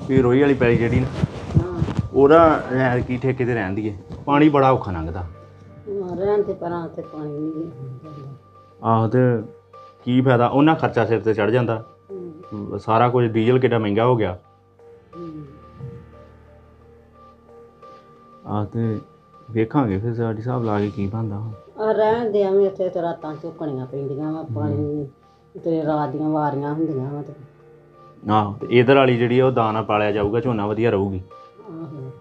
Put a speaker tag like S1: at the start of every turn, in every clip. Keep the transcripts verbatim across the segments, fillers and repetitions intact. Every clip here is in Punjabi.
S1: ਵੀ ਰੋਈ ਵਾਲੀ ਪੈਲੀ ਜਿਹੜੀ ਨਾ ਉਹਦਾ ਰਹਿਣ ਕੀ ਠੇਕੇ ਤੇ ਰਹਿਣ ਦੀਏ ਪਾਣੀ ਬੜਾ ਔਖਾ ਲੰਘਦਾ
S2: ਰਹਿਣ ਤੇ ਪਰਾਂ ਤੇ ਪਾਣੀ ਨਹੀਂ
S1: ਆਹੋ ਤੇ ਕੀ ਫਾਇਦਾ ਉਹਨਾਂ ਖਰਚਾ ਸਿਰ ਤੇ ਚੜ ਜਾਂਦਾ ਸਾਰਾ ਕੁਝ ਡੀਜ਼ਲ ਕਿੱਡਾ ਮਹਿੰਗਾ ਹੋ ਗਿਆ ਆਹ ਤੇ ਵੇਖਾਂਗੇ ਫਿਰ ਸਾਡੇ ਹਿਸਾਬ ਲਾ ਕੇ ਕੀ ਬਣਦਾ
S2: ਆ ਰਹਿਣ ਦੇ ਐਵੇਂ ਉੱਥੇ ਤੇ ਰਾਤਾਂ ਝੁਕਣੀਆਂ ਪੈਂਦੀਆਂ ਵਾ ਪਾਣੀ ਤੇ ਰਾਤ ਦੀਆਂ ਵਾਰੀਆਂ ਹੁੰਦੀਆਂ ਵਾ ਤੇ
S1: ਆਹੋ ਤੇ ਇਧਰ ਵਾਲੀ ਜਿਹੜੀ ਆ ਉਹ ਦਾਣਾ ਪਾਲਿਆ ਜਾਊਗਾ ਝੋਨਾ ਵਧੀਆ ਰਹੂਗੀ
S2: ਆਹੋ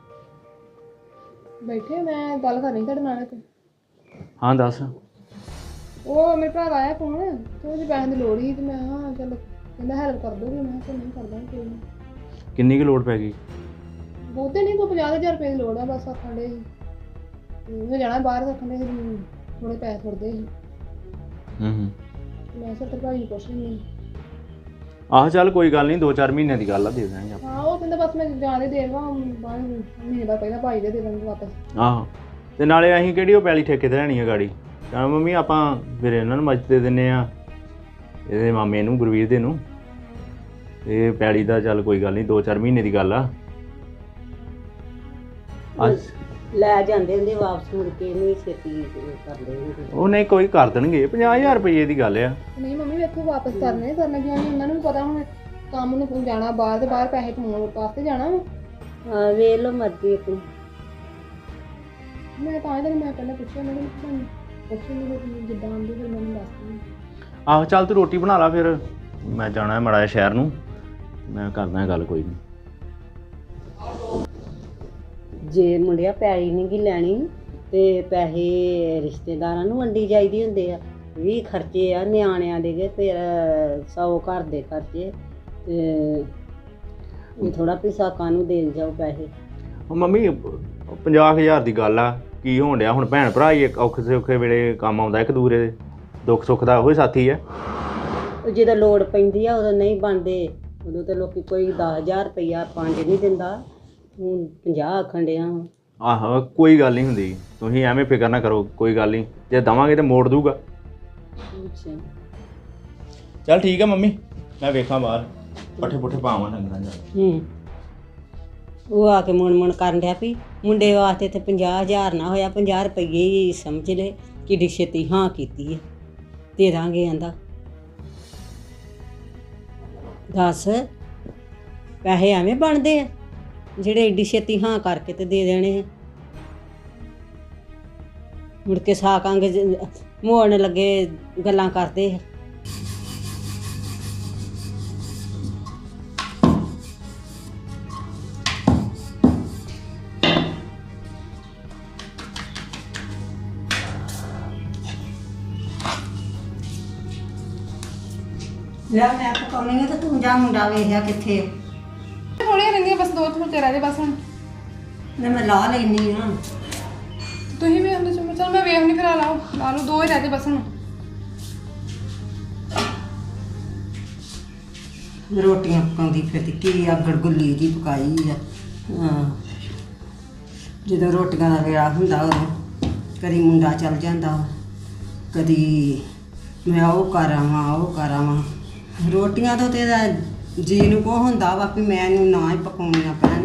S3: ਬੈਠੇ ਮੈਂ ਗੱਲ ਕਰਨੀ ਤੁਹਾਡੇ ਨਾਲ ਇੱਕ
S1: ਹਾਂ ਦੱਸ
S3: ਉਹ ਮੇਰੇ ਭਰਾ ਦਾ ਆਇਆ ਫੋਨ ਤੇ ਉਹਦੇ ਪੈਸੇ ਦੀ ਲੋੜ ਸੀ ਤੇ ਮੈਂ ਹਾਂ ਚੱਲ ਕਹਿੰਦਾ ਹੈਲਪ ਕਰ ਦੋਗੇ ਮੈਂ ਕਿਹਾ ਨਹੀਂ ਕਰਦਾ ਕੋਈ ਨਹੀਂ
S1: ਕਿੰਨੀ ਕੁ ਲੋੜ ਪੈ ਗਈ
S3: ਬਹੁਤੇ ਨਹੀਂ ਕੋਈ ਪੰਜਾਹ ਹਜ਼ਾਰ ਰੁਪਏ ਦੀ ਲੋੜ ਆ ਬਸ ਆਖਣ ਦੇ ਸੀ ਮੈਂ ਜਾਣਾ ਬਾਹਰ ਰੱਖਣ ਦੇ ਸੀ ਥੋੜੇ ਪੈਸੇ ਥੋੜਦੇ ਸੀ
S1: ਹੂੰ ਹੂੰ
S3: ਮੈਂ ਸਰ ਤੇ ਭਾਈ ਨੂੰ ਪੁੱਛ ਲਈ
S1: ਆਹ ਚੱਲ ਕੋਈ ਗੱਲ ਨਹੀਂ ਦੋ ਚਾਰ ਮਹੀਨਿਆਂ ਦੀ ਗੱਲ ਆ ਦੇ ਦਾਂਗੇ ਆਪਾਂ
S3: ਹਾਂ ਉਹ ਕਹਿੰਦਾ ਬਸ ਮੈਂ ਜਾਣੇ ਦੇਵਾਂ ਬਾਅਦ ਮਹੀਨੇ ਬਾਅਦ ਪਹਿਲਾਂ ਭਾਈ ਦੇ ਦੇ ਦਾਂਗੇ ਵਾਪਸ
S1: ਆਹੋ ਤੇ ਨਾਲੇ ਅਸੀਂ ਕਿਹੜੀ ਉਹ ਪੈਲੀ ਠੇਕੇ ਤੇ ਲੈਣੀ ਆ ਗਾੜੀ ਕਹਿੰਦਾ ਮੰਮੀ ਆਪਾਂ ਫਿਰ ਇਹਨਾਂ ਨੂੰ ਮੱਝ ਦੇ ਦਿੰਦੇ ਆ ਇਹਦੇ ਮਾਮੇ ਨੂੰ ਗੁਰਵੀਰ ਦੇ ਨੂੰ ਤੇ ਪੈਲੀ ਦਾ ਚੱਲ ਕੋਈ ਗੱਲ ਨਹੀਂ ਦੋ ਚਾਰ ਮਹੀਨੇ ਦੀ ਗੱਲ ਆ ਅੱਜ
S2: ਲੈ ਜਾਂਦੇ ਹੁੰਦੇ ਵਾਪਸ ਮੁੜ ਕੇ ਨਹੀਂ ਛੇਤੀ ਕਰਦੇ ਹੁੰਦੇ
S1: ਉਹ ਨਹੀਂ ਕੋਈ ਕਰ ਦੇਣਗੇ ਪੰਜਾਹ ਹਜ਼ਾਰ ਰੁਪਏ ਦੀ ਗੱਲ ਆ
S3: ਨਹੀਂ ਮੰਮੀ ਵੇਖੋ ਵਾਪਸ ਕਰਨੇ ਕਰਨਾ ਕਿਉਂ ਨਹੀਂ ਉਹਨਾਂ ਨੂੰ ਵੀ ਪਤਾ ਹੁਣ ਕੰਮ ਨੂੰ ਜਾਣਾ ਬਾਹਰ ਤੇ ਬਾਹਰ ਪੈਸੇ ਕਮਾਉਣ ਵਾਸਤੇ ਜਾਣਾ ਵਾ
S2: ਹਾਂ ਵੇਖ ਲਓ ਮਰਜ਼ੀ ਆਪਣੀ
S3: ਮੈਂ ਤਾਂ ਇਹਦਾ ਮੈਂ ਪਹਿਲਾਂ ਪੁੱਛਿਆ ਮੈਂ ਤੁਹਾਨੂੰ ਪੁੱਛੀ ਨਹੀਂ ਜਿੱਦਾਂ ਆਉਂਦੀ ਫਿਰ ਮੈਨੂੰ ਦੱਸ ਦਿੰਦੀ
S1: ਆਹੋ ਚੱਲ ਤੂੰ ਰੋਟੀ ਬਣਾ ਲਾ ਫਿਰ ਮੈਂ ਜਾਣਾ ਮਾੜਾ ਜਿਹਾ ਸ਼ਹਿਰ ਨੂੰ ਮੈਂ ਕਰਦਾ ਗੱਲ ਕੋਈ ਨਹੀਂ
S2: ਜੇ ਮੁੰਡਿਆ ਪੈਲੀ ਨਹੀਂ ਗੀ ਲੈਣੀ ਤੇ ਪੈਸੇ ਰਿਸ਼ਤੇਦਾਰਾਂ ਨੂੰ ਵੰਡੀ ਜਾਈਦੀ ਹੁੰਦੇ ਆ ਵੀਹ ਖਰਚੇ ਆ ਨਿਆਣਿਆਂ ਦੇ ਫਿਰ ਸੌ ਘਰ ਦੇ ਖਰਚੇ ਤੇ ਇਹ ਥੋੜਾ ਪੈਸਾ ਕਾਹਨੂੰ ਦੇਣ ਜਾਓ ਪੈਸੇ
S1: ਉਹ ਮੰਮੀ ਪੰਜਾਹ ਹਜ਼ਾਰ ਦੀ ਗੱਲ ਆ ਕੀ ਹੋਣ ਡਿਆ ਹੁਣ ਭੈਣ ਭਰਾ ਹੀ ਇੱਕ ਔਖੇ ਸੌਖੇ ਵੇਲੇ ਕੰਮ ਆਉਂਦਾ ਇੱਕ ਦੂਰੇ ਦੇ ਦੁੱਖ ਸੁੱਖ ਦਾ ਉਹੀ ਸਾਥੀ ਆ
S2: ਜਦੋਂ ਲੋੜ ਪੈਂਦੀ ਆ ਉਦੋਂ ਨਹੀਂ ਬਣਦੇ ਉਦੋਂ ਤਾਂ ਲੋਕੀ ਕੋਈ ਦਸ ਹਜ਼ਾਰ ਰੁਪਈਆ ਪੰਜ ਨਹੀਂ ਦਿੰਦਾ ਹੁਣ ਪੰਜਾਹ ਆਖਣ ਡਿਆ
S1: ਆਹੋ ਕੋਈ ਗੱਲ ਨਹੀਂ ਹੁੰਦੀ ਤੁਸੀਂ ਐਵੇਂ ਫਿਕਰ ਨਾ ਕਰੋ ਕੋਈ ਗੱਲ ਨਹੀਂ ਜੇ ਦੇਵਾਂਗੇ ਤਾਂ ਮੋੜ ਦੂਗਾ
S2: ਅੱਛਾ
S1: ਚੱਲ ਠੀਕ ਆ ਮੰਮੀ ਮੈਂ ਵੇਖਾਂ ਬਾਹਰ ਪੱਠੇ ਪੁੱਠੇ ਪਾਵਾਂ ਡੰਗਰਾਂ ਜਾ
S2: ਹੂੰ ਉਹ ਆ ਕੇ ਮੁਣ ਮੁਣ ਕਰਨ ਡਿਆ ਵੀ ਮੁੰਡੇ ਵਾਸਤੇ ਤੇ ਪੰਜਾਹ ਹਜ਼ਾਰ ਨਾ ਹੋਇਆ ਪੰਜਾਹ ਰੁਪਈਏ ਹੀ ਸਮਝ ਲੈ ਕਿੱਡੀ ਛੇਤੀ ਹਾਂ ਕੀਤੀ ਹੈ ਦੇ ਦਾਂਗੇ ਕਹਿੰਦਾ ਦੱਸ ਪੈਸੇ ਐਵੇਂ ਬਣਦੇ ਆ ਜਿਹੜੇ ਏਡੀ ਛੇਤੀ ਹਾਂ ਕਰਕੇ ਤੇ ਦੇ ਦੇਣੇ ਮੁੜ ਕੇ ਸਾਕਾਂਗੇ ਮੋੜਨ ਲੱਗੇ ਗੱਲਾਂ ਕਰਦੇ ਆ ਲੈ ਮੈਂ ਪਕਾਉਣੀ ਆ ਤੇ ਤੂੰ ਜਾ ਮੁੰਡਾ ਵੇਖਿਆ ਕਿੱਥੇ
S3: ਥੋੜੀਆਂ ਰਹਿੰਦੀਆਂ ਬਸ ਦੋ ਥੋੜੇ ਰਹਿ ਗਏ ਬਸ ਹੁਣ
S2: ਮੈਂ ਮੈਂ ਲਾ ਲੈਣੀ ਆ
S3: ਤੁਸੀਂ ਵੀ ਹੁੰਦੇ ਚਲ ਚਲ ਮੈਂ ਵੇਖ ਨਹੀਂ ਫਿਰ ਲਾਓ ਲਾ ਲਓ ਦੋ ਹੀ ਰਹਿ ਗਏ ਬਸ ਹੁਣ
S2: ਰੋਟੀਆਂ ਪਕਾਉਂਦੀ ਫਿਰਦੀ ਕੀ ਆ ਗੜਗੁੱਲੀ ਦੀ ਪਕਾਈ ਆ ਹਾਂ ਜਦੋਂ ਰੋਟੀਆਂ ਦਾ ਵੇਲਾ ਹੁੰਦਾ ਉਦੋਂ ਕਦੀ ਮੁੰਡਾ ਚੱਲ ਜਾਂਦਾ ਕਦੀ ਮੈਂ ਉਹ ਕਰ ਆਵਾਂ ਉਹ ਕਰ ਆਵਾਂ ਰੋਟੀਆਂ ਤੋਂ ਤੇ ਜੀ ਨੂੰ ਕੋ ਹੁੰਦਾ ਵਾ ਵੀ ਮੈਨੂੰ ਨਾ ਹੀ ਪਕਾਉਣੀਆਂ ਪੈਣ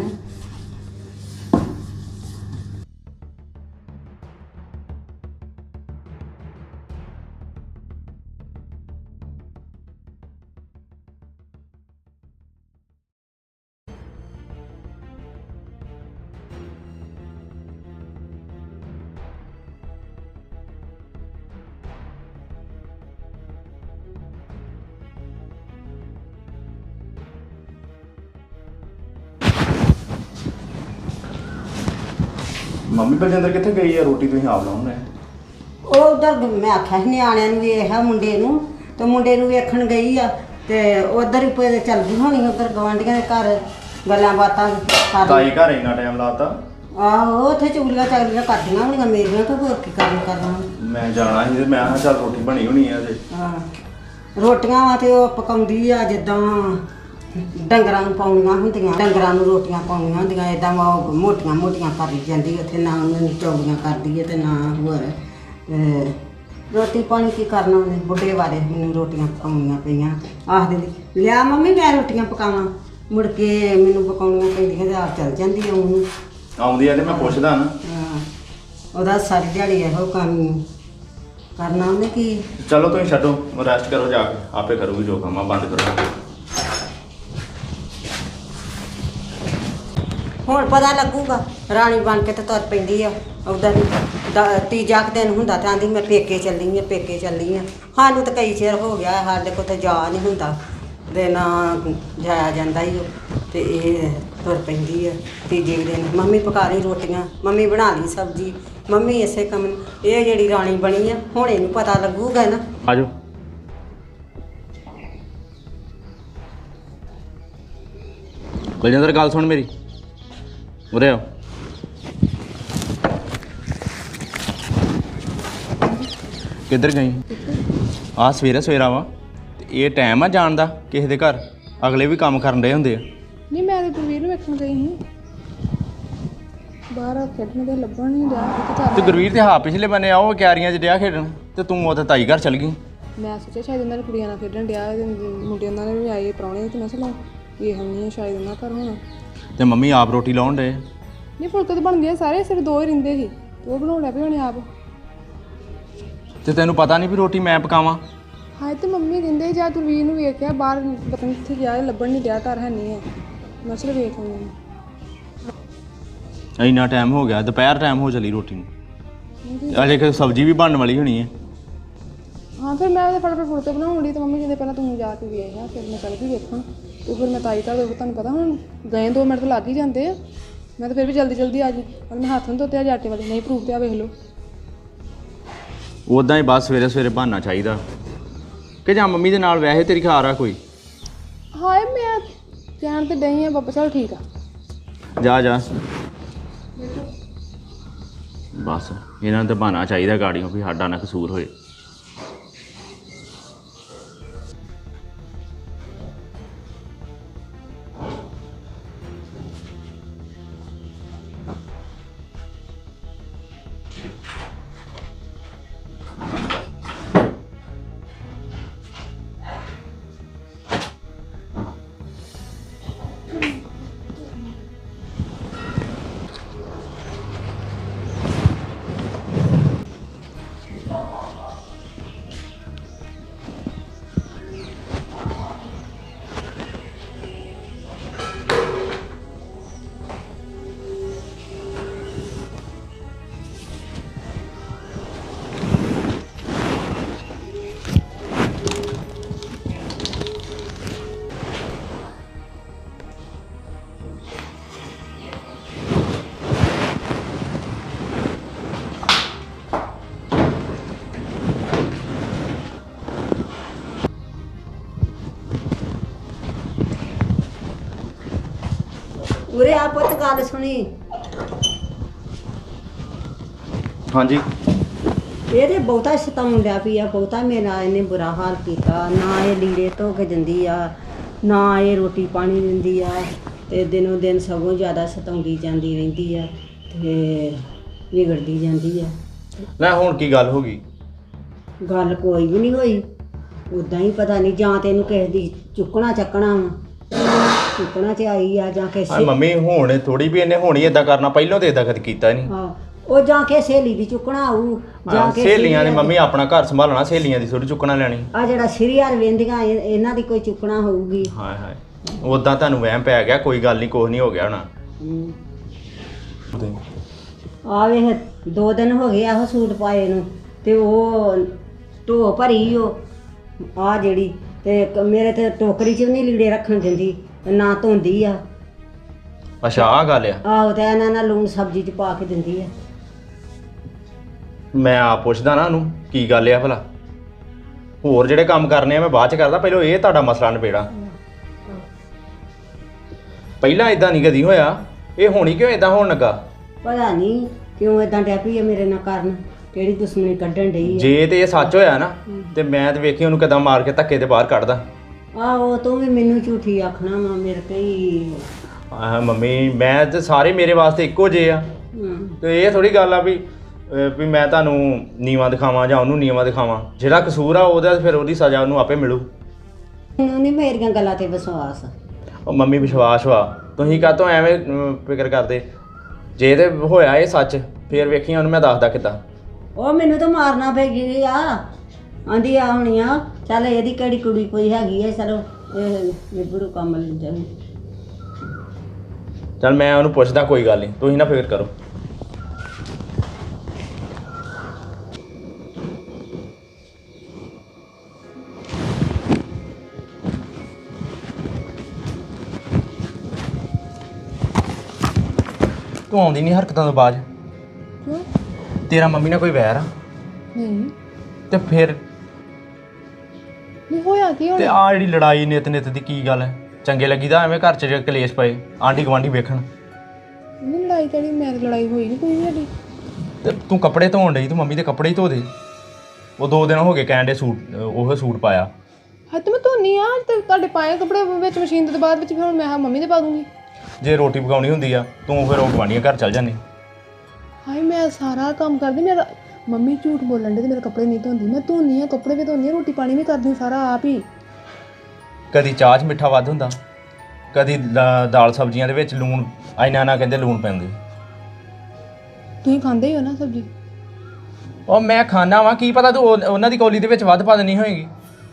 S1: ਮੰਮੀ ਬਲਜਿੰਦਰ ਕਿੱਥੇ ਗਈ ਆ ਰੋਟੀ ਤੁਸੀਂ ਆਪ ਲਾਉਣੇ
S2: ਉਹ ਉਧਰ ਮੈਂ ਆਖਿਆ ਸੀ ਨਿਆਣਿਆਂ ਨੂੰ ਵੇਖਿਆ ਮੁੰਡੇ ਨੂੰ ਤੇ ਮੁੰਡੇ ਨੂੰ ਵੇਖਣ ਗਈ ਆ ਤੇ ਉਧਰ ਹੀ ਪਏ ਚੱਲ ਗਈ ਹੋਣੀ ਉਧਰ ਗਵਾਂਢੀਆਂ ਦੇ ਘਰ ਗੱਲਾਂ ਬਾਤਾਂ ਕਰ
S1: ਤਾਈ ਘਰ ਇੰਨਾ ਟਾਈਮ ਲਾਤਾ
S2: ਆਹੋ ਉੱਥੇ ਚੁਗਲੀਆਂ ਚਾਗਲੀਆਂ ਕਰਦੀਆਂ ਹੋਣੀਆਂ ਮੇਰੀਆਂ ਤਾਂ ਹੋਰ ਕੀ ਕਰਨ ਕਰਨਾ
S1: ਮੈਂ ਜਾਣਾ ਸੀ ਤੇ ਮੈਂ ਕਿਹਾ ਚੱਲ ਰੋਟੀ ਬਣੀ ਹੋਣੀ ਆ ਤੇ
S2: ਹਾਂ ਰੋਟੀਆਂ ਵਾ ਤੇ ਉਹ ਪਕਾਉਂਦੀ ਆ ਜਿੱਦਾਂ ਡੰਗਰਾਂ ਨੂੰ ਪਾਉਣੀਆਂ ਹੁੰਦੀਆਂ ਡੰਗਰਾਂ ਨੂੰ ਰੋਟੀਆਂ ਪਾਉਣੀਆਂ ਹੁੰਦੀਆਂ ਇੱਦਾਂ ਉਹ ਮੋਟੀਆਂ ਮੋਟੀਆਂ ਕਰੀ ਜਾਂਦੀ ਉੱਥੇ ਨਾ ਉਹਨੂੰ ਚੌਲੀਆਂ ਕਰਦੀ ਹੈ ਤੇ ਨਾ ਹੋਰ ਰੋਟੀ ਪਾਣੀ ਕੀ ਕਰਨਾ ਉਹਨੇ ਬੁੱਢੇ ਬਾਰੇ ਮੈਨੂੰ ਰੋਟੀਆਂ ਪਕਾਉਣੀਆਂ ਪਈਆਂ ਆਖਦੇ ਲਿਆ ਮੰਮੀ ਮੈਂ ਰੋਟੀਆਂ ਪਕਾਵਾਂ ਮੁੜ ਕੇ ਮੈਨੂੰ ਪਕਾਉਣੀਆਂ ਪੈਂਦੀਆਂ ਤੇ ਆਪ ਚੱਲ ਜਾਂਦੀ ਆ ਉਹਨੂੰ।
S1: ਆਉਂਦੀ ਆ ਤੇ ਮੈਂ ਪੁੱਛਦਾ ਨਾ।
S2: ਹਾਂ, ਉਹਦਾ ਸਾਰੀ ਦਿਹਾੜੀ ਇਹੋ ਕੰਮ ਕਰਨਾ ਉਹਨੇ ਕੀ।
S1: ਚਲੋ ਤੁਸੀਂ ਛੱਡੋ, ਰੈਸਟ ਕਰੋ ਜਾ ਕੇ, ਆਪੇ ਕਰੂਗੀ ਜੋ ਕੰਮ ਆ, ਬੰਦ ਕਰੋ।
S2: ਹੁਣ ਪਤਾ ਲੱਗੂਗਾ, ਰਾਣੀ ਬਣ ਕੇ ਤੇ ਤੁਰ ਪੈਂਦੀ ਆ। ਉਹਦਾ ਤੀਜਾ ਕੁ ਦਿਨ ਹੁੰਦਾ ਤਾਂ ਆਂਦੀ ਮੈਂ ਪੇਕੇ ਚੱਲੀ ਆ, ਪੇਕੇ ਚੱਲੀ ਆ। ਸਾਨੂੰ ਤਾਂ ਕਈ ਚਿਰ ਹੋ ਗਿਆ, ਸਾਡੇ ਕੋਲ ਤਾਂ ਜਾ ਨਹੀਂ ਹੁੰਦਾ ਤੇ ਨਾ ਜਾਇਆ ਜਾਂਦਾ ਹੀ ਉਹ, ਤੇ ਇਹ ਤੁਰ ਪੈਂਦੀ ਆ ਤੀਜੇ ਦਿਨ। ਮੰਮੀ ਪਕਾ ਲਈ ਰੋਟੀਆਂ, ਮੰਮੀ ਬਣਾ ਲਈ ਸਬਜ਼ੀ, ਮੰਮੀ ਇਸੇ ਕੰਮ। ਇਹ ਜਿਹੜੀ ਰਾਣੀ ਬਣੀ ਆ, ਹੁਣ ਇਹਨੂੰ ਪਤਾ ਲੱਗੂਗਾ ਨਾ।
S1: ਆ ਜਾਓ। ਬਲਜਿੰਦਰ ਗੱਲ ਸੁਣ ਮੇਰੀ, ਉਰੇ ਆਓ। ਕਿੱਧਰ ਗਈ? ਆ ਸਵੇਰੇ ਸਵੇਰਾ ਵਾ ਤੇ ਇਹ ਟਾਈਮ ਆ ਜਾਣ ਦਾ ਕਿਸੇ ਦੇ ਘਰ, ਅਗਲੇ ਵੀ ਕੰਮ ਕਰਨ ਰਹੇ ਹੁੰਦੇ ਆ।
S3: ਨਹੀਂ ਮੈਂ ਤੇ ਗੁਰਵੀਰ ਨੂੰ ਵੇਖਣ ਗਈ ਸੀ, ਬਾਹਰ ਖੇਡਣ ਦੇ ਲੱਭਣ ਨਹੀਂ ਰਿਹਾ
S1: ਤੇ ਗੁਰਵੀਰ ਤੇ ਹਾਂ ਪਿਛਲੇ ਬੰਨੇ ਆਓ ਕਿਆਰੀਆਂ 'ਚ ਡਿਆ ਖੇਡਣ, ਤੇ ਤੂੰ ਉੱਥੇ ਤਾਈ ਘਰ ਚਲ ਗਈ।
S3: ਮੈਂ ਸੋਚਿਆ ਸ਼ਾਇਦ ਉਹਨਾਂ ਨੇ ਕੁੜੀਆਂ ਨਾਲ ਖੇਡਣ ਡਿਆ, ਮੁੰਡੇ ਉਹਨਾਂ ਨੇ ਵੀ ਆਏ ਪ੍ਰਾਹੁਣੇ, ਤੇ ਮੈਂ ਚਲੋ ਇਹ ਨਹੀਂ ਸ਼ਾਇਦ ਉਹਨਾਂ ਘਰ ਹੋਣਾ।
S1: ਤੇ ਮੰਮੀ ਆਪ ਰੋਟੀ ਲਾਉਣ ਡੇ?
S3: ਨਹੀਂ ਫੁਲਕੇ ਤਾਂ ਬਣ ਗਏ ਸਾਰੇ, ਸਿਰ ਦੋ ਹੀ ਰਹਿੰਦੇ ਸੀ, ਉਹ ਬਣਾਉਣ ਲੱਗ ਪਏ ਹੋਣੇ ਆਪ।
S1: ਤੇ ਤੈਨੂੰ ਪਤਾ ਨਹੀਂ ਵੀ ਰੋਟੀ ਮੈਂ ਪਕਾਵਾਂ?
S3: ਹਾਂ ਤੇ ਮੰਮੀ ਕਹਿੰਦੇ ਜਾਂ ਗੁਰਵੀਰ ਨੂੰ ਵੇਖਿਆ ਬਾਹਰ, ਪਤਾ ਨਹੀਂ ਕਿੱਥੇ ਗਿਆ, ਲੱਭਣ ਨਹੀਂ ਡਿਆ, ਘਰ ਹੈ ਨਹੀਂ ਹੈ। ਮੈਂ ਚਲ ਵੇਖ ਆਉਂਦੀ।
S1: ਇੰਨਾ ਟਾਈਮ ਹੋ ਗਿਆ, ਦੁਪਹਿਰ ਟਾਈਮ ਹੋ ਚਲੀ ਰੋਟੀ ਨੂੰ, ਅਜੇ ਕਿ ਸਬਜ਼ੀ ਵੀ ਬਣਨ ਵਾਲੀ ਹੋਣੀ ਹੈ।
S3: ਹਾਂ ਫਿਰ ਮੈਂ ਉਹਦੇ ਫਟਾਫਟ ਫੁਲਕੇ ਬਣਾਉਣ ਲਈ, ਤੇ ਮੰਮੀ ਕਹਿੰਦੇ ਪਹਿਲਾਂ ਤੂੰ ਜਾ ਕੇ ਵੇਖ ਆ, ਫਿਰ ਮੈਂ ਚੱਲ ਗਈ ਵੇਖਣ। ਤੇ ਫਿਰ ਮੈਂ ਤਾਈ ਘਰ, ਤੁਹਾਨੂੰ ਪਤਾ ਹੁਣ ਗਏ ਦੋ ਮਿੰਟ ਤਾਂ ਲੱਗ ਹੀ ਜਾਂਦੇ ਆ, ਮੈਂ ਤਾਂ ਫਿਰ ਵੀ ਜਲਦੀ ਜਲਦੀ ਆ ਗਈ। ਪਰ ਮੈਂ ਹੱਥ ਨੂੰ ਧੋਤੇ ਅੱਜ ਆਟੇ ਵਾਲੇ, ਨਹੀਂ ਪ੍ਰੂਫ ਪਿਆ ਵੇਖ ਲਓ।
S1: ਉੱਦਾਂ ਹੀ ਬਸ ਸਵੇਰੇ ਸਵੇਰੇ ਬਹਾਨਾ ਚਾਹੀਦਾ ਕਿ ਜਾਂ ਮੰਮੀ ਦੇ ਨਾਲ ਵੈਸੇ ਤੇਰੀ ਖਾਰ ਆ ਕੋਈ?
S3: ਹਾਏ ਮੈਂ ਕਹਿਣ ਤੇ ਡਈ ਆ ਬਾਬਾ, ਚਲ ਠੀਕ ਆ।
S1: ਜਾ ਜਾ ਬਸ, ਇਹਨਾਂ ਨੂੰ ਤਾਂ ਬਹਾਨਾ ਚਾਹੀਦਾ ਗਾੜੀਆਂ ਵੀ ਸਾਡਾ ਨਾ ਕਸੂਰ ਹੋਏ।
S2: ਉਰੇ ਆ ਪੁੱਤ, ਗੱਲ ਸੁਣੀ।
S1: ਹਾਂਜੀ।
S2: ਇਹ ਤੇ ਬਹੁਤਾ ਸਤਾਉਣ ਡਿਆ ਪਈ ਆ, ਬਹੁਤਾ ਮੇਰਾ ਇਹਨੇ ਬੁਰਾ ਹਾਲ ਕੀਤਾ। ਨਾ ਇਹ ਲੀੜੇ ਧੋ ਕੇ ਦਿੰਦੀ ਆ, ਨਾ ਇਹ ਰੋਟੀ ਪਾਣੀ ਦਿੰਦੀ ਆ, ਤੇ ਦਿਨੋਂ ਦਿਨ ਸਗੋਂ ਜ਼ਿਆਦਾ ਸਤਾਉਂਦੀ ਜਾਂਦੀ ਰਹਿੰਦੀ ਆ ਤੇ ਵਿਗੜਦੀ ਜਾਂਦੀ ਆ।
S1: ਲੈ ਹੁਣ ਕੀ ਗੱਲ ਹੋ ਗਈ?
S2: ਗੱਲ ਕੋਈ ਵੀ ਨਹੀਂ ਹੋਈ, ਉਦਾਂ ਹੀ ਪਤਾ ਨਹੀਂ, ਜਾਂ ਤੈਨੂੰ ਕਿਸੇ ਦੀ ਚੁੱਕਣਾ ਚੱਕਣਾ ਵਾ, ਚੁੱਕਣਾ ਚ ਆਈ ਆ, ਜਾਂ
S1: ਆ
S2: ਕਿਸੇ
S1: ਮੰਮੀ ਹੁਣ ਥੋੜੀ ਵੀ ਇਹਨੇ ਹੋਣੀ ਏਦਾਂ ਕਰਨਾ, ਪਹਿਲਾਂ ਤੇ ਏਦਾਂ ਕਦੇ ਕੀਤਾ ਨਹੀਂ।
S2: ਹਾਂ, ਉਹ ਜਾਂ ਕੇ ਸਹੇਲੀ ਦੀ ਚੁੱਕਣਾ ਆਊ, ਜਾਂ ਕੇ
S1: ਸਹੇਲੀਆਂ ਨੇ ਮੰਮੀ ਆਪਣਾ ਘਰ ਸੰਭਾਲਣਾ, ਸਹੇਲੀਆਂ ਦੀ ਥੋੜੀ ਚੁੱਕਣਾ ਲੈਣੀ।
S2: ਆ ਜਿਹੜਾ ਸੀਰੀਅਲ ਵੇਂਦੀਆਂ ਇਹਨਾਂ ਦੀ ਕੋਈ ਚੁੱਕਣਾ ਹੋਊਗੀ।
S1: ਹਾਏ ਹਾਏ, ਉਦਾਂ ਤੁਹਾਨੂੰ ਵਹਿਮ ਪੈ ਗਿਆ, ਕੋਈ ਗੱਲ ਨਹੀਂ, ਕੁਛ ਨਹੀਂ ਹੋ ਗਿਆ ਹੋਣਾ।
S2: ਆ ਵੇਖ, ਦੋ ਦਿਨ ਹੋ ਗਏ ਆਹੋ ਸੂਟ ਪਾਏ ਨੂੰ, ਤੇ ਉਹ ਢੋ ਭਰੀ ਉਹ ਆ ਜਿਹੜੀ, ਤੇ ਕ- ਮੇਰੇ ਤੇ ਟੋਕਰੀ 'ਚ ਵੀ ਨਹੀਂ ਲੀੜੇ ਰੱਖਣ ਦਿੰਦੀ, ਨਾ ਧੋਂਦੀ ਆ।
S1: ਅੱਛਾ ਆਹ ਗੱਲ ਆ।
S2: ਆਹੋ, ਤੇ ਇਹਨਾਂ ਨਾਲ ਲੂਣ ਸਬਜ਼ੀ 'ਚ ਪਾ ਕੇ ਦਿੰਦੀ ਆ।
S1: ਮੈਂ ਆਪ ਪੁੱਛਦਾ ਨਾ ਉਹਨੂੰ ਕੀ ਗੱਲ ਆ ਭਲਾ। ਹੋਰ ਜਿਹੜੇ ਕੰਮ ਕਰਨੇ ਆ ਮੈਂ ਬਾਅਦ ਚ ਕਰਦਾ, ਪਹਿਲਾਂ ਇਹ ਤੁਹਾਡਾ ਮਸਲਾ ਨਿਬੇੜਾ। ਪਹਿਲਾਂ ਇਦਾਂ ਨਹੀਂ ਕਦੀ ਹੋਇਆ, ਇਹ ਹੋਣੀ ਕਿਉਂ ਇਦਾਂ ਹੋਣ ਲੱਗਾ?
S2: ਪਤਾ ਨਹੀਂ ਕਿਉਂ ਇਦਾਂ ਡਿਆ ਪਈ ਆ ਮੇਰੇ ਨਾਲ ਕਰਨ, ਕਿਹੜੀ ਦੁਸ਼ਮਣੀ ਕੱਢਣ ਡਈ ਆ।
S1: ਜੇ ਤੇ ਇਹ ਸੱਚ ਹੋਇਆ ਨਾ, ਤੇ ਮੈਂ ਤੇ ਵੇਖੀ ਉਹਨੂੰ ਕਿਦਾਂ ਮਾਰ ਕੇ ਧੱਕੇ ਤੇ ਬਾਹਰ ਕੱਢਦਾ।
S2: ਆਹੋ, ਤੂੰ ਵੀ ਮੈਨੂੰ ਝੂਠੀ ਆਖਣਾ ਵਾ, ਮੇਰੇ ਕਈ।
S1: ਆਹ ਮੰਮੀ, ਮੈਂ ਤੇ ਸਾਰੇ ਮੇਰੇ ਵਾਸਤੇ ਇੱਕੋ ਜਿਹੇ ਆ,
S2: ਹਮ,
S1: ਤੇ ਇਹ ਥੋੜੀ ਗੱਲ ਆ ਵੀ ਅਹ ਵੀ ਮੈਂ ਤੁਹਾਨੂੰ ਨੀਵਾਂ ਦਿਖਾਵਾਂ ਜਾਂ ਉਹਨੂੰ ਨੀਵਾਂ ਦਿਖਾਵਾਂ। ਜਿਹੜਾ ਕਸੂਰ ਆ ਉਹਦਾ, ਫਿਰ ਉਹਦੀ ਸਜ਼ਾ ਉਹਨੂੰ ਆਪੇ ਮਿਲੂ।
S2: ਮੈਨੂੰ ਨਹੀਂ ਮੇਰੀਆਂ ਗੱਲਾਂ ਤੇ ਵਿਸ਼ਵਾਸ।
S1: ਉਹ ਮੰਮੀ ਵਿਸ਼ਵਾਸ ਵਾ ਤੁਸੀਂ ਕਾਹਤੋਂ ਐਵੇਂ ਅਮ, ਫਿਕਰ ਕਰਦੇ ਜੇ ਤੇ ਹੋਇਆ ਇਹ ਸੱਚ ਫੇਰ ਵੇਖੀ ਉਹਨੂੰ ਮੈਂ ਦੱਸਦਾ ਕਿੱਦਾਂ।
S2: ਉਹ ਮੈਨੂੰ ਤਾਂ ਮਾਰਨਾ ਪੈ ਗਈ ਆ ਆਂਦੀ ਆ ਹੁਣੀ ਆ ਚੱਲ ਇਹਦੀ ਕਿਹੜੀ ਕੁੜੀ ਕੋਈ ਹੈਗੀ ਐ ਚਲੋ ਇਹ ਨਿਬੜੂ ਕੰਮ ਲੈ ਜਾਣ।
S1: ਚੱਲ ਮੈਂ ਉਹਨੂੰ ਪੁੱਛਦਾ ਕੋਈ ਗੱਲ ਨਹੀਂ ਤੁਸੀਂ ਨਾ ਫਿਕਰ ਕਰੋ। ਤੂੰ ਆਉਂਦੀ ਨਹੀਂ ਹਰਕਤਾਂ ਤੋਂ ਬਾਅਦ
S3: ਕਿਉਂ?
S1: ਤੇਰਾ ਮੰਮੀ ਨਾਲ ਕੋਈ ਵੈਰ ਆ
S3: ਨਹੀਂ
S1: ਤੇ ਫਿਰ
S3: ਨਹੀਂ ਹੋਇਆ ਕੀ ਹੁਣ?
S1: ਤੇ ਆ ਜਿਹੜੀ ਲੜਾਈ ਨਿਤ ਨਿਤ ਦੀ ਕੀ ਗੱਲ ਹੈ ਚੰਗੇ ਲੱਗੀਦਾ ਐਵੇਂ ਘਰ 'ਚ ਜੇ ਕਲੇਸ਼ ਪਏ ਆਂਢੀ ਗੁਆਂਢੀ ਵੇਖਣ।
S3: ਨਹੀਂ ਲੜਾਈ ਕਿਹੜੀ ਮੈਂ ਤਾਂ ਲੜਾਈ ਹੋਈ ਨਹੀਂ ਕੋਈ ਵੀ ਸਾਡੀ।
S1: ਤੇ ਤੂੰ ਕੱਪੜੇ ਧੋਣ ਡਈ ਤੂੰ ਮੰਮੀ ਦੇ ਕੱਪੜੇ ਹੀ ਧੋ ਦੇ। ਉਹ ਦੋ ਦਿਨ ਹੋ ਗਏ ਕਹਿਣ ਦੇ ਸੂਟ ਉਹ ਸੂਟ ਪਾਇਆ।
S3: ਹਾਂ ਤੇ ਮੈਂ ਧੋਨੀ ਆ ਤੇ ਤੁਹਾਡੇ ਪਾਏ ਕੱਪੜੇ ਵਿੱਚ ਮਸ਼ੀਨ ਦੇ ਬਾਅਦ ਵਿੱਚ ਫਿਰ ਹੁਣ ਮੈਂ ਹਾਂ ਮੰਮੀ ਦੇ ਪਾ ਦੂੰਗੀ।
S1: ਜੇ ਰੋਟੀ ਪਕਾਉਣੀ ਹੁੰਦੀ ਆ ਤੂੰ ਫਿਰ ਉਹ ਗੁਆਂਢੀਆਂ ਘਰ ਚੱਲ ਜਾਂਦੀ।
S3: ਹਾਏ ਮੈਂ ਸਾਰਾ ਕੰਮ ਕਰਦੀ ਮੇਰਾ ਮੰਮੀ ਝੂਠ ਬੋਲਣ ਦੇ ਤੇ ਮੇਰੇ ਕੱਪੜੇ ਨਹੀਂ ਧੋਂਦੀ ਮੈਂ ਧੋਨੀ ਆ ਕੱਪੜੇ ਵੀ ਧੋਨੀ ਆ ਰੋਟੀ ਪਾਣੀ ਵੀ ਕਰਦੀ ਸਾਰਾ ਆਪ ਹੀ।
S1: ਕਦੀ ਚਾਹ 'ਚ ਮਿੱਠਾ ਵੱਧ ਹੁੰਦਾ ਕਦੀ ਦਾ- ਦਾਲ ਸਬਜ਼ੀਆਂ ਦੇ ਵਿੱਚ ਲੂਣ ਇੰਨਾ ਨਾ ਕਹਿੰਦੇ ਲੂਣ ਪੈਂਦੇ।
S3: ਤੁਸੀਂ ਖਾਂਦੇ ਹੀ ਹੋ ਨਾ ਸਬਜ਼ੀ।
S1: ਉਹ ਮੈਂ ਖਾਣਾ ਵਾਂ ਕੀ ਪਤਾ ਤੂੰ ਉਹ- ਉਹਨਾਂ ਦੀ ਕੌਲੀ ਦੇ ਵਿੱਚ ਵੱਧ ਪਾ ਦੇਣੀ ਹੋਏਗੀ।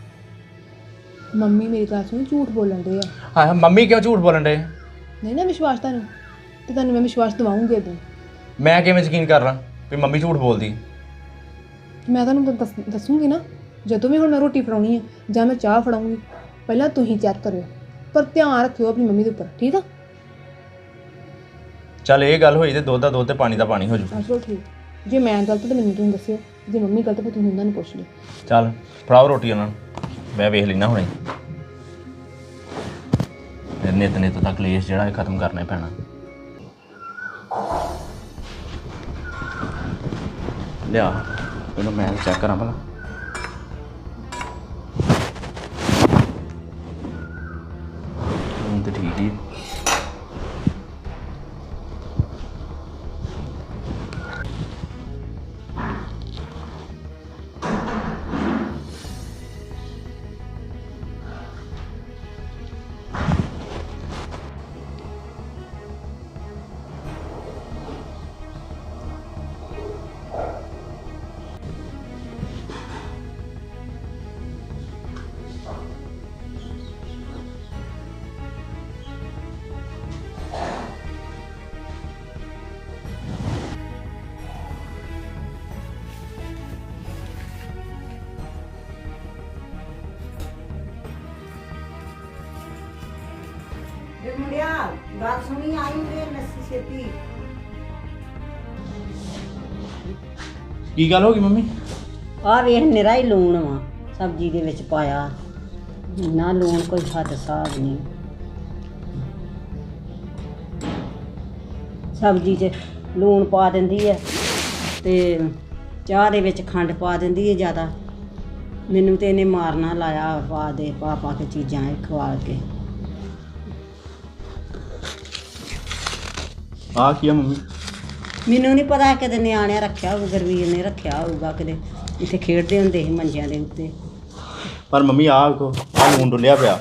S3: ਮੰਮੀ ਮੇਰੀ ਗੱਲ ਸੁਣ ਝੂਠ ਬੋਲਣ ਦੇ ਆ।
S1: ਹਾਂ ਮੰਮੀ ਕਿਉਂ ਝੂਠ ਬੋਲਣ ਡੇ?
S3: ਨਹੀਂ ਨਾ ਵਿਸ਼ਵਾਸ ਤੁਹਾਨੂੰ ਤੇ ਤੁਹਾਨੂੰ ਮੈਂ ਵਿਸ਼ਵਾਸ ਦਿਵਾਉਂਗੀ ਉਦੋਂ।
S1: ਮੈਂ ਕਿਵੇਂ ਯਕੀਨ ਕਰ ਲਾਂ ਵੀ ਮੰਮੀ ਝੂਠ ਬੋਲਦੀ?
S3: ਮੈਂ ਤੁਹਾਨੂੰ ਦੱਸ ਦੱਸੂਗੀ ਨਾ ਜਦੋਂ ਵੀ ਹੁਣ ਮੈਂ ਰੋਟੀ ਫੜਾਉਣੀ ਆ ਜਾਂ ਮੈਂ ਚਾਹ ਫੜਾਉਂਗੀ ਪਹਿਲਾਂ ਤੁਸੀਂ ਚੈੱਕ ਕਰਿਓ ਪਰ ਧਿਆਨ ਰੱਖਿਓ ਆਪਣੀ ਮੰਮੀ ਦੇ ਉੱਪਰ ਠੀਕ ਆ।
S1: ਚੱਲ ਇਹ ਗੱਲ ਹੋਈ ਤੇ ਦੁੱਧ ਦਾ ਦੁੱਧ ਤੇ ਪਾਣੀ ਦਾ ਪਾਣੀ ਹੋ ਜੂ।
S3: ਚਲੋ ਠੀਕ ਜੇ ਮੈਂ ਗਲਤ ਤਾਂ ਮੈਨੂੰ ਤੁਸੀਂ ਦੱਸਿਓ ਜੇ ਮੰਮੀ ਗਲਤ ਤਾਂ ਤੁਸੀਂ ਉਹਨਾਂ ਨੂੰ ਪੁੱਛ ਲਿਓ।
S1: ਚੱਲ ਫੜਾਓ ਰੋਟੀ ਉਹਨਾਂ ਨੂੰ ਮੈਂ ਵੇਖ ਲੈਣਾ ਹੁਣੇ। ਫਿਰ ਨਿਤ ਨਿਤ ਦਾ ਕਲੇਸ਼ ਜਿਹੜਾ ਇਹ ਖਤਮ ਕਰਨਾ ਹੀ ਪੈਣਾ। ਲਿਆ ਇਹਨੂੰ ਮੈਂ ਚੈੱਕ ਕਰਾਂ ਭਲਾ। ਹੁਣ ਤੇ ਠੀਕ ਹੀ
S2: ਇਹ ਮੁੰਡਿਆ ਗੱਲ ਸੁਣੀ ਆਈ ਵੇ ਨੱਸੀ ਛੇਤੀ।
S1: ਕੀ ਗੱਲ ਹੋ ਗਈ ਮੰਮੀ?
S2: ਆ ਵੇਖ ਨਿਰਾ ਹੀ ਲੂਣ ਵਾ ਸਬਜ਼ੀ ਦੇ ਵਿੱਚ ਪਾਇਆ ਨਾ ਲੂਣ ਕੋਈ ਹੱਦ ਹਿਸਾਬ ਨਹੀਂ। ਸਬਜ਼ੀ 'ਚ ਲੂਣ ਪਾ ਦਿੰਦੀ ਹੈ ਤੇ ਚਾਹ ਦੇ ਵਿੱਚ ਖੰਡ ਪਾ ਦਿੰਦੀ ਹੈ ਜ਼ਿਆਦਾ। ਮੈਨੂੰ ਤੇ ਇਹਨੇ ਮਾਰਨਾ ਲਾਇਆ ਪਾ ਦੇ ਪਾ ਪਾ ਕੇ ਚੀਜ਼ਾਂ ਇਹ ਖਵਾ ਕੇ।
S1: ਆ ਕੀ ਆ ਮੰਮੀ?
S2: ਮੈਨੂੰ ਨਹੀਂ ਪਤਾ ਕਿਤੇ ਨਿਆਣਿਆਂ ਰੱਖਿਆ ਹੋਊ ਗੁਰਵੀਰ ਨੇ ਰੱਖਿਆ ਹੋਊਗਾ ਕਿਤੇ ਇੱਥੇ ਖੇਡਦੇ ਹੁੰਦੇ ਸੀ ਮੰਜਿਆਂ ਦੇ ਉੱਤੇ।
S1: ਪਰ ਮੰਮੀ ਆਹ ਵੇਖੋ ਆਹ ਲੂਣ ਡੁੱਲਿਆ ਪਿਆ।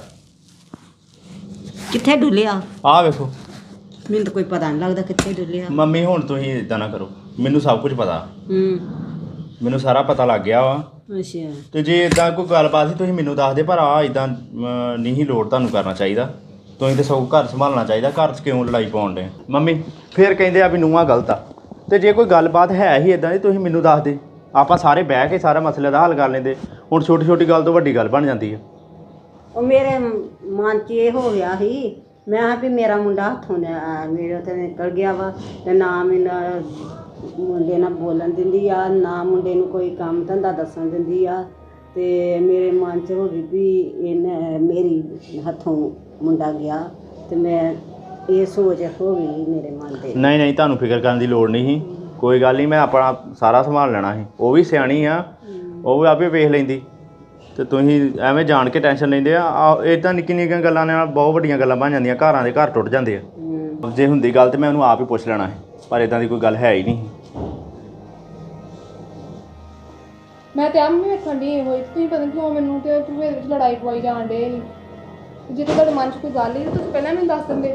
S2: ਕਿੱਥੇ ਡੁੱਲਿਆ?
S1: ਆਹ ਵੇਖੋ।
S2: ਮੈਨੂੰ ਤਾਂ ਕੋਈ ਪਤਾ ਨਹੀਂ ਲੱਗਦਾ ਕਿੱਥੇ ਡੁੱਲਿਆ।
S1: ਮੰਮੀ ਹੁਣ ਤੁਸੀਂ ਇਦਾਂ ਨਾ ਕਰੋ ਮੈਨੂੰ ਸਭ ਕੁਝ ਪਤਾ।
S2: ਹੂੰ
S1: ਮੈਨੂੰ ਸਾਰਾ ਪਤਾ ਲੱਗ ਗਿਆ ਵਾ।
S2: ਅੱਛਾ
S1: ਤੇ ਜੇ ਇਦਾਂ ਕੋਈ ਗੱਲਬਾਤ ਸੀ ਤੁਸੀਂ ਮੈਨੂੰ ਦੱਸ ਦੇ ਪਰ ਆ ਇਦਾਂ ਨਹੀਂ ਲੋੜ ਤੁਹਾਨੂੰ ਕਰਨਾ ਚਾਹੀਦਾ। ਤੁਸੀਂ ਤਾਂ ਸਗੋਂ ਘਰ ਸੰਭਾਲਣਾ ਚਾਹੀਦਾ। ਘਰ 'ਚ ਕਿਉਂ ਲੜਾਈ ਪਾਉਣ ਡੇ ਮੰਮੀ? ਫਿਰ ਕਹਿੰਦੇ ਆ ਵੀ ਨੂੰਹਾਂ ਗਲਤ ਆ ਤੇ ਜੇ ਕੋਈ ਗੱਲਬਾਤ ਹੈ ਹੀ ਇਦਾਂ ਦੀ ਤੁਸੀਂ ਮੈਨੂੰ ਦੱਸ ਦੇ ਆਪਾਂ ਸਾਰੇ ਬਹਿ ਕੇ ਸਾਰਾ ਮਸਲੇ ਦਾ ਹੱਲ ਕਰ ਲੈਂਦੇ। ਹੁਣ ਛੋਟੀ ਛੋਟੀ ਗੱਲ ਤੋਂ ਵੱਡੀ ਗੱਲ ਬਣ ਜਾਂਦੀ ਹੈ।
S2: ਉਹ ਮੇਰੇ ਮਨ 'ਚ ਇਹ ਹੋ ਗਿਆ ਸੀ ਮੈਂ ਕਿਹਾ ਵੀ ਮੇਰਾ ਮੁੰਡਾ ਹੱਥੋਂ ਨਿਆ- ਮੇਰੇ ਤੋਂ ਨਿਕਲ ਗਿਆ ਵਾ ਤੇ ਨਾ ਮੈਨੂੰ ਮੁੰਡੇ ਨਾਲ ਬੋਲਣ ਦਿੰਦੀ ਆ ਨਾ ਮੁੰਡੇ ਨੂੰ ਕੋਈ ਕੰਮ ਧੰਦਾ ਦੱਸਣ ਦਿੰਦੀ ਆ। ਤੇ ਮੇਰੇ ਮਨ 'ਚ ਹੋ ਗਈ ਵੀ ਇਹਨੇ ਮੇਰੀ ਹੱਥੋਂ ਮੁੰਡਾ ਗਿਆ ਤੇ ਮੈਂ ਇਹ ਸੋਚ ਹੋ ਗਈ ਮੇਰੇ ਮਨ ਦੇ।
S1: ਨਹੀਂ ਨਹੀਂ ਤੁਹਾਨੂੰ ਫਿਕਰ ਕਰਨ ਦੀ ਲੋੜ ਨਹੀਂ ਸੀ। ਕੋਈ ਗੱਲ ਨਹੀਂ ਮੈਂ ਆਪਣਾ ਸਾਰਾ ਸੰਭਾਲ ਲੈਣਾ ਸੀ। ਉਹ ਵੀ ਸਿਆਣੀ ਆ ਉਹ ਵੀ ਆਪੇ ਵੇਖ ਲੈਂਦੀ ਤੇ ਤੁਸੀਂ ਐਵੇਂ ਜਾਣ ਕੇ ਟੈਨਸ਼ਨ ਲੈਂਦੇ ਆ। ਇਦਾਂ ਨਿੱਕੀ ਨਿੱਕੀਆਂ ਗੱਲਾਂ ਨਾਲ ਬਹੁਤ ਵੱਡੀਆਂ ਗੱਲਾਂ ਬਣ ਜਾਂਦੀਆਂ। ਘਰਾਂ ਦੇ ਘਰ ਟੁੱਟ ਜਾਂਦੇ ਆ। ਜੇ ਹੁੰਦੀ ਗੱਲ ਤੇ ਮੈਂ ਉਹਨੂੰ ਆਪ ਹੀ ਪੁੱਛ ਲੈਣਾ ਸੀ ਪਰ ਇਦਾਂ ਦੀ ਕੋਈ ਗੱਲ ਹੈ ਹੀ ਨਹੀਂ।
S3: ਮੈਂ ਤੇ ਆਮ ਵੇਖਣ ਦੀ ਹੋਈ ਤੁਸੀਂ ਪਤਾ ਨਹੀਂ ਕਿਉਂ ਮੈਨੂੰ ਤੇ ਤੂੰ ਇਹਦੇ ਵਿੱਚ ਲੜਾਈ ਪਵਾਈ ਜਾਣ ਡੇ ਜੇ ਤਾਂ ਤੁਹਾਡੇ ਮਨ 'ਚ ਕੋਈ ਗੱਲ ਹੀ ਤਾਂ ਤੁਸੀਂ ਪਹਿਲਾਂ ਮੈਨੂੰ ਦੱਸ ਦਿੰਦੇ।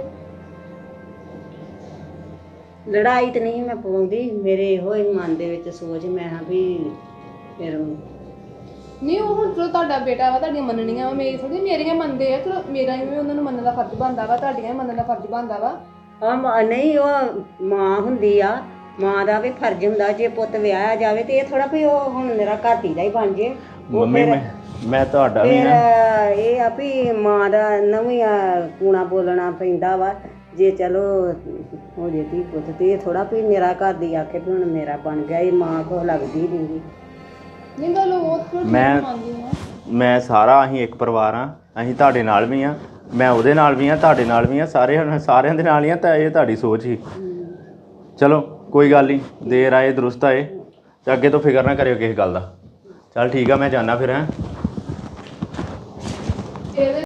S2: ਲੜਾਈ ਤੇ ਨਹੀਂ ਮੈਂ ਪਾਉਂਦੀ, ਮੇਰੇ ਇਹੋ ਹੀ ਮਨ ਦੇ ਵਿੱਚ ਸੋਚ, ਮੈਂ ਹਾਂ ਵੀ ਫਿਰ
S3: ਨਹੀਂ ਉਹ ਹੁਣ ਚਲੋ ਤੁਹਾਡਾ ਬੇਟਾ ਵਾ, ਤੁਹਾਡੀਆਂ ਮੰਨਣੀਆਂ ਵਾ, ਮੇਰੀ ਥੋੜੀ ਮੇਰੀਆਂ ਮੰਨਦੇ ਆ, ਚਲੋ ਮੇਰਾ ਵੀ ਉਹਨਾਂ ਨੂੰ ਮੰਨਣ ਦਾ ਫਰਜ਼ ਬਣਦਾ ਵਾ, ਤੁਹਾਡੀਆਂ ਵੀ ਮੰਨਣ ਦਾ ਫਰਜ਼ ਬਣਦਾ ਵਾ।
S2: ਆ ਮਾਂ ਨਹੀਂ, ਉਹ ਮਾਂ ਹੁੰਦੀ ਆ, ਮਾਂ ਦਾ ਵੀ ਫਰਜ਼ ਹੁੰਦਾ, ਜੇ ਪੁੱਤ ਵਿਆਹਿਆ ਜਾਵੇ ਤੇ ਇਹ ਥੋੜਾ ਵੀ ਉਹ ਹੁਣ ਮੇਰਾ ਘਾਟੀ ਦਾ ਹੀ ਬਣ ਜੇ। ਉਹ
S1: ਮੰਮੀ
S2: ਫਿਰ
S1: ਮੈਂ ਮੈਂ ਤੁਹਾਡਾ ਵੀ
S2: ਫਿਰ
S1: ਨਾ
S2: ਇਹ ਆ ਵੀ ਮਾਂ ਦਾ ਨਵੀਂ ਕੂਣਾ ਬੋਲਣਾ ਪੈਂਦਾ ਵਾ, ਜੇ ਚਲੋ ਹੋ ਜੇ ਧੀ ਪੁੱਤ ਤੇ ਇਹ ਥੋੜਾ ਵੀ ਮੇਰਾ ਘਰ ਦੀ ਆਖੇ ਵੀ ਹੁਣ ਮੇਰਾ ਬਣ ਗਿਆ, ਇਹ ਮਾਂ ਕੋਲ ਲੱਗਦੀ ਨਹੀਂ।
S3: ਨਹੀਂ ਗੱਲ ਉਹ ਥੋੜੀ
S1: ਮੈਂ
S3: ਮੰਨਦੀ ਹਾਂ।
S1: ਮੈਂ ਸਾਰਾ ਅਸੀਂ ਇੱਕ ਪਰਿਵਾਰ ਆ, ਅਸੀਂ ਤੁਹਾਡੇ ਨਾਲ ਵੀ ਆ, ਮੈਂ ਉਹਦੇ ਨਾਲ ਵੀ ਆ, ਤੁਹਾਡੇ ਨਾਲ ਵੀ ਆ, ਸਾਰੇ ਸਾਰਿਆਂ ਦੇ ਨਾਲ ਹੀ ਆ। ਤਾਂ ਇਹ ਤੁਹਾਡੀ ਸੋਚ ਹੀ, ਚਲੋ ਕੋਈ ਗੱਲ ਨਹੀਂ, ਦੇਰ ਆਏ ਦਰੁਸਤ ਆਏ, ਤੇ ਅੱਗੇ ਤੋਂ ਫਿਕਰ ਨਾ ਕਰਿਓ ਕਿਸੇ ਗੱਲ ਦਾ। ਚੱਲ ਠੀਕ ਆ, ਮੈਂ ਜਾਣਾ ਫਿਰ ਹੈਂ।
S3: ਇਹਦੇ